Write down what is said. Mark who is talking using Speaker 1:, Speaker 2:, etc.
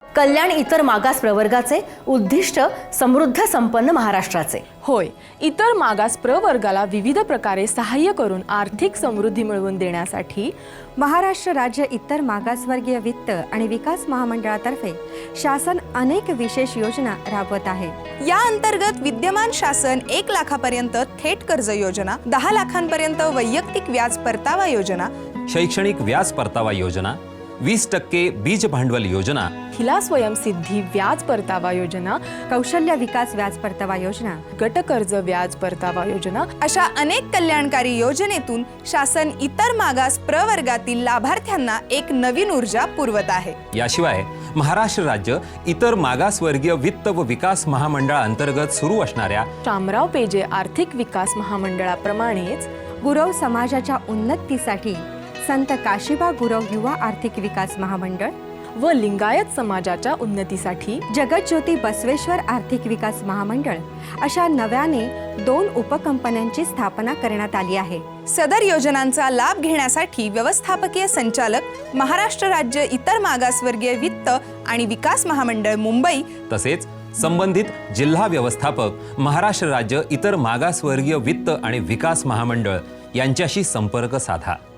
Speaker 1: कल्याण इतर मागास प्रवर्गाचे उद्दिष्ट समृद्ध संपन्न महाराष्ट्राचे।
Speaker 2: होय, इतर मागास प्रवर्गाला विविध प्रकारे सहाय्य करून आर्थिक समृद्धी मिळवून देण्यासाठी
Speaker 3: महाराष्ट्र राज्य इतर मागासवर्गीय वित्त आणि विकास महामंडळातर्फे शासन अनेक विशेष योजना राबवत आहे।
Speaker 4: या अंतर्गत विद्यमान शासन 1 लाखापर्यंत थेट कर्ज योजना, 10 लाखांपर्यंत वैयक्तिक व्याज परतावा योजना,
Speaker 5: शैक्षणिक व्याज परतावा योजना, 20% बीज भांडवल योजना,
Speaker 2: महिला स्वयंसिद्धी व्याज परतावा योजना,
Speaker 3: कौशल्य विकास व्याज परतावा योजना,
Speaker 2: गट कर्ज व्याज परतावा योजना
Speaker 4: अशा अनेक कल्याणकारी योजनेतून शासन इतर मागास प्रवर्गातील लाभार्थ्यांना एक नवीन ऊर्जा पुरवत आहे।
Speaker 5: याशिवाय महाराष्ट्र राज्य इतर मागासवर्गीय वित्त व विकास महामंडळाअंतर्गत सुरू असणाऱ्या
Speaker 2: शामराव पेजे आर्थिक विकास महामंडळाप्रमाणेच
Speaker 3: गुरव समाजाच्या उन्नतीसाठी संत काशिबा गुरव युवा आर्थिक विकास महामंडळ
Speaker 2: व लिंगायत समाजाच्या उन्नतीसाठी
Speaker 3: जगज्योती बसवेश्वर आर्थिक विकास महामंडळ अशा नव्याने 2 उपकंपन्यांची स्थापना करण्यात आली आहे।
Speaker 4: सदर योजनांचा लाभ घेण्यासाठी व्यवस्थापकीय संचालक महाराष्ट्र राज्य इतर मागासवर्गीय वित्त आणि विकास महामंडळ मुंबई
Speaker 5: तसेच संबंधित जिल्हा व्यवस्थापक महाराष्ट्र राज्य इतर मागासवर्गीय वित्त आणि विकास महामंडळ यांच्याशी संपर्क साधा।